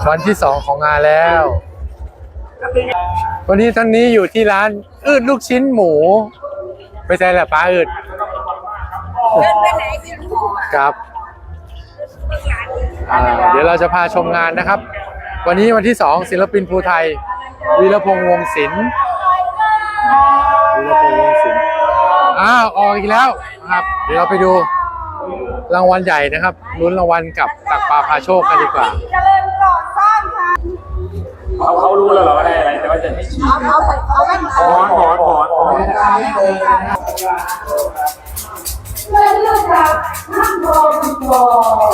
วันที่2ของงานแล้ววันนี้ท่านนี้อยู่ที่ร้านอืดลูกชิ้นหมูไปใช่แหละป้าอืดเดินไปไหนกินหมูครับเดี๋ยวเราจะพาชมงานนะครับ วันนี้วันที่2ศิลปินภูไทยวีรพงษ์วงศิลป์ออกอีกแล้วครับเดี๋ยวเราไปดูรางวัลใหญ่นะครับลุ้นรางวัลกับตักปลาพาโชคกันดีกว่าเขารู้แล้วเหรอว่าได้อะไรแต่ว่าจะให้ชี้เอาแว่นตาหอนเลื่อนจากห้างทองบอ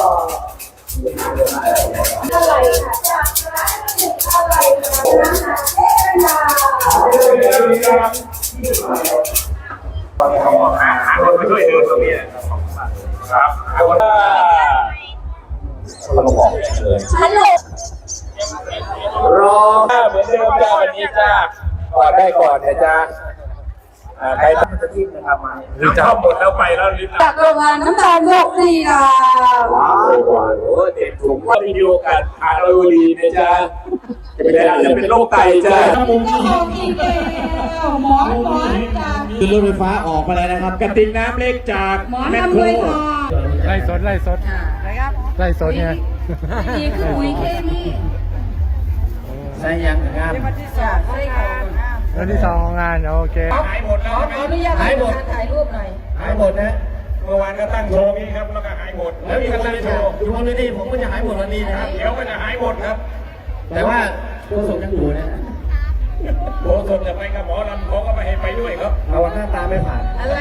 อะไรค่ะอะไรนะคะไปช่วยเดินตรงนี้ครับฮัลโหลรอเหมือนเดิมจ้าวันนี้จ้าก่อนได้ก่อนนะจ้าใครตั้งจะจิ้มนะครับมาน้ำหมดแล้วไปแล้วลิ้นจากโรงงานน้ำตาลโลกดีค่ะว้าวเด็ดถุงว่ามีโอกาสทานเราดีนะจ้าจะเป็นโรคไตจ้าหมอนจากคือรถไฟฟ้าออกมาแล้วนะครับกระติกน้ำเล็กจากแมคโครไล่สดไล่สดไงนี่คือปุ๋ยเคมีใช่ยังงามวันที่2ของงานโอเคหายหมดแล้วขออนุญาตถ่ายรูปหน่อยหายหมดนะเมื่อวานก็ตั้งโชว์นี้ครับแล้วก็หายหมดแล้วมีคนอยู่วันนี้ผมก็จะหายหมดวันนี้นะครับเดี๋ยวก็จะหายหมดครับแต่ว่าตัวสมยังอยู่นะโบสถจะไปกับหมอลำเขาก็ไม่ให้ไปด้วยครับเราหน้าตาไม่ผ่านอะไร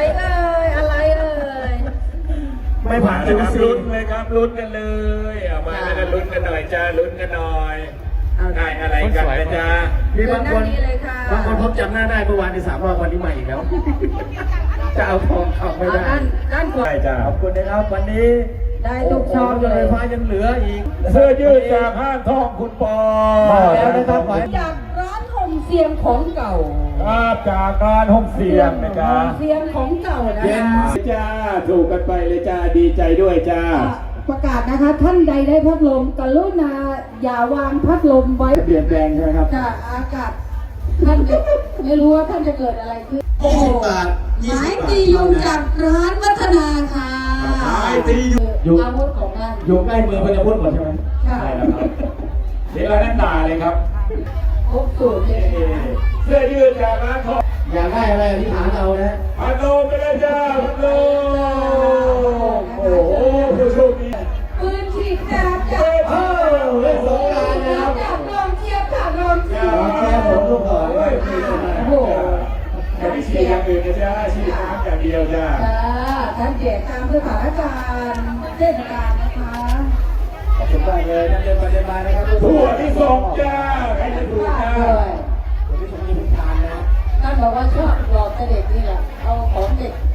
ไม่ผ่านจะลุ้นเลยครับลุ้นกันเลยเอามาแล้วลุ้นกันหน่อยจ้าลุ้นกันหน่อยได้อะไรกันนะจ๊ะมีบางคนพบจำหน้าได้เมื่อวานที่3 รอบวันนี้ใหม่อีกแล้วจะเอาทองเข้าไม่ได้ด้านขวาจ้าขอบคุณนะครับวันนี้ได้ทุกช่องเลยไฟฟ้ายังเหลืออีกเสื้อยืดจากห้างทองคุณปอแล้วนะครับจากร้านห่มเสียงของเก่าครับจากร้านห่มเสียงนะจ๊ะเสียงของเก่านะจ้าถูกกันไปเลยจ้าดีใจด้วยจ้าประกาศนะคะท่านใดได้พัดลมกรุณาอย่าวางพัดลมไว้เปลี่ยนแปลงใช่ไหมครับจะอากาศท่านไม่รู้ว่าท่านจะเกิดอะไรขึ้นหมายตียุงจากร้านวัฒนาค่ะหมายตียุงอาวุธของท่านอยู่ใกล้มือพญาพุทธหมดใช่ไหมใช่แล้วครับเดี๋ยวเราแน่นตาเลยครับครบสูตรเลยเสื้อยืดจากร้านทองอยากได้อะไรที่ฐานเรานะพัดลมไปเลยจ้าพัดลมโอ้โหผู้โชคดีปืนฉีดน้ำจากเล่นสงกรานต์นะครับจากลมเทียบจากลมเทียบผมลูกต่อเลยโอ้โหไม่ได้ฉีดอย่างอื่นนะจ้าฉีดน้ำอย่างเดียวจ้าท่านแจกตามสถานการณ์เทศกาลนะคะขอบคุณมากเลยท่านเดินไปเดินมานะครับถั่วที่ส่งจ้าใครจะถูกจ้าถั่วที่ส่งมีทุกทานนะท่านบอกว่าชอบหลอกเด็กนี่แหละเอาของเด็ก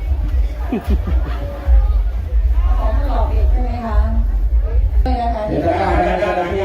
ของหลอกเด็กใช่ไหมคะไม่นะคะเดี๋ยวจะได้ที่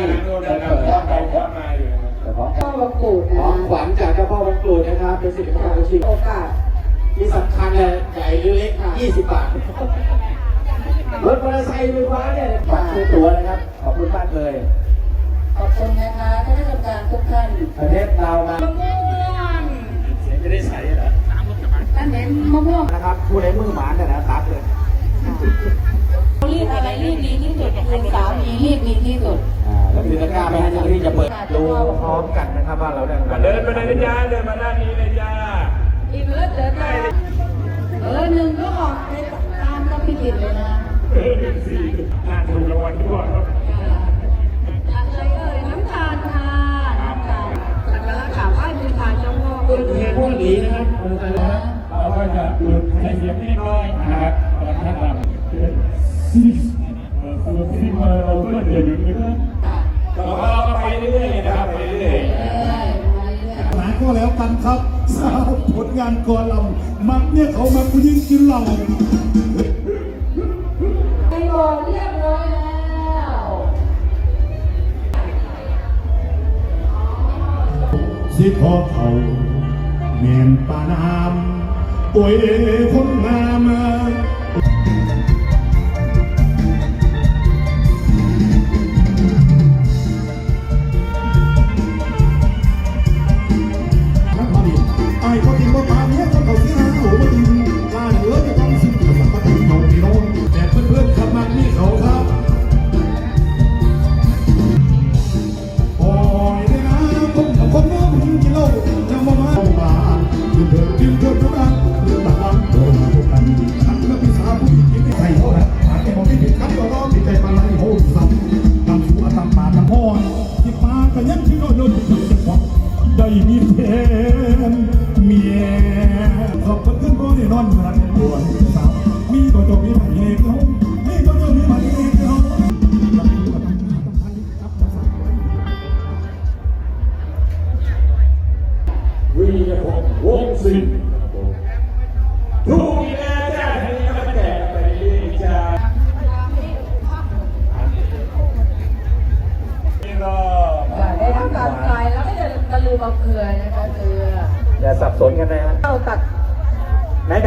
พ่อวังกูดของขวัญจากเจ้าพ่อวังกูดนะครับเป็นสิ่งของชิงโอกาสที่สำคัญเลยใหญ่หรือเล็ก20 บาทรถมอเตอร์ไซค์ไฟฟ้าเนี่ยบัตรซื้อตั๋วนะครับขอบคุณมากเลยขอบคุณนะคะท่านผู้ชมทุกท่านประเทศเรามาเสียงไม่ได้ใส่เหรอท่านเห็นมะม่วงนะครับผู้ใดมือหมาเนี่ยนะตัดเลยรีบอะไรรีบดีที่สุดคือสามีรีบดีที่สุดแล้วมีตะกร้าไปให้เจ้าหน้าที่จะเปิดดูพร้อมกันนะครับว่าเราได้เดินไปเลยจ้าเดินมาด้านนี้เลยจ้าอีกเลิศเดินไปหนึ่งก็ออกไปตามก็พิจิตเลยนะถูกรางวัลทั่วครับอะไรน้ำตาลค่ะน้ำตาลสักการะกราบไหว้บูชาเจ้าพ่อพวกนี้นะครับเราก็จะหยุดให้เสียงนิดหน่อยนะครับตอนท่านรำที่มาเราก็จะหยุดนะครับเราก็ไปเรื่อยๆนะครับไปเรื่อยหลายก็แล้วกันครับสาวผลงานกอลำมักเนี่ยเขามาผู้หญิงกินเหล้าไปบอกเรียบร้อยแล้วสิขอเขาเมียนปานามโอ้ยคนงาม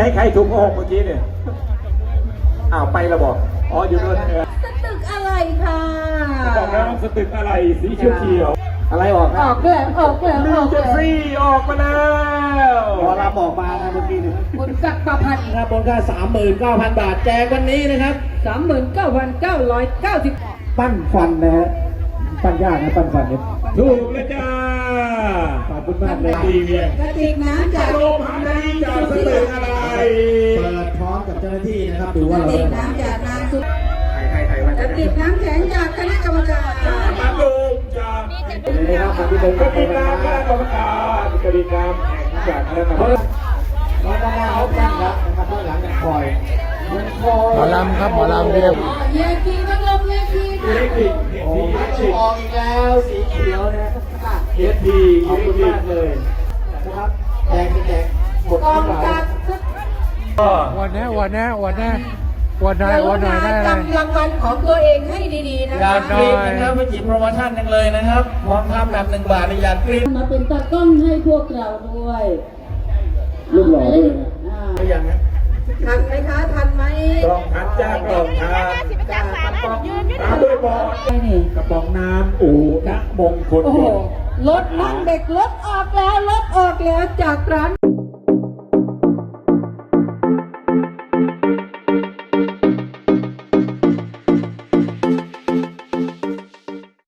ใครถูกโกหกเมื่อกี้เนี่ยอ้าวไปแล้วบอกอ๋ออยู่ด้วยสตึกอะไรค่ะบอกแล้วสตึกอะไรสีเขียวๆอะไรออกคอรัอบ กแล้วออกแล้วนิอวอกเจอแล้วร์ซีย์ออกมาแล้วพอรับออกมานะเมื่อกี้นี่คุณกักประพันธ์ครับบนค่า39,000 บาทแจกวันนี้นะครับ 39,990 ปั้นฟันนะฮะปั้นยากนะปั้นฟันเนี่ยถูกแล้วจ้าขอบคุณมากเลยดีเวียงกระติกน้ำจากโรงพยาบาลจากสตึกอะไรเปิดพร้อมกับเจ้าหน้าที่นะครับดูกว่าระเราติกได้น้ำจากนางสุดใครวันกระติกน้ำแข็งจากคณะกรรมการมาดูจากเลยนะครับที่เป็นกติกาคณะกรรมการกติกาแข่งจากคณะกรรมการมาด้านหน้าเขาตั้งรับนะครับด้านหลังเนี่ยคอยยังคอยหมอลำครับหมอลำเรียกเยกีพัดลมเยกีอิเล็กทริกโอ้ยออกอีกแล้วสีเขียวนะค่ะเอสพีขอบคุณมากเลยนะครับแจกหมดกองเท่าไหร่การก็วันนี้วันไหนวันไหนได้อะไรจำรางวัลของตัวเองให้ดีๆนะอคะยากกรี๊ดนะครับไปจิบโปรโมชั่นกันเลยนะครับพร้อมทำแบบ1 บาทอยากกรี๊ดมาเป็นตากล้องให้พวกเราด้วยรูปหล่อด้วยนะอ่าไม่ยังนะทันไหมคะทันไหมกล่องทันจ้ากล่องทานจ้ากระป๋องตามด้วยบอลนี่กระป๋องน้ำอู่ณมงคลโอ้โหรถนั่งเด็กรถออกแล้วรถออกแล้วจากร้าน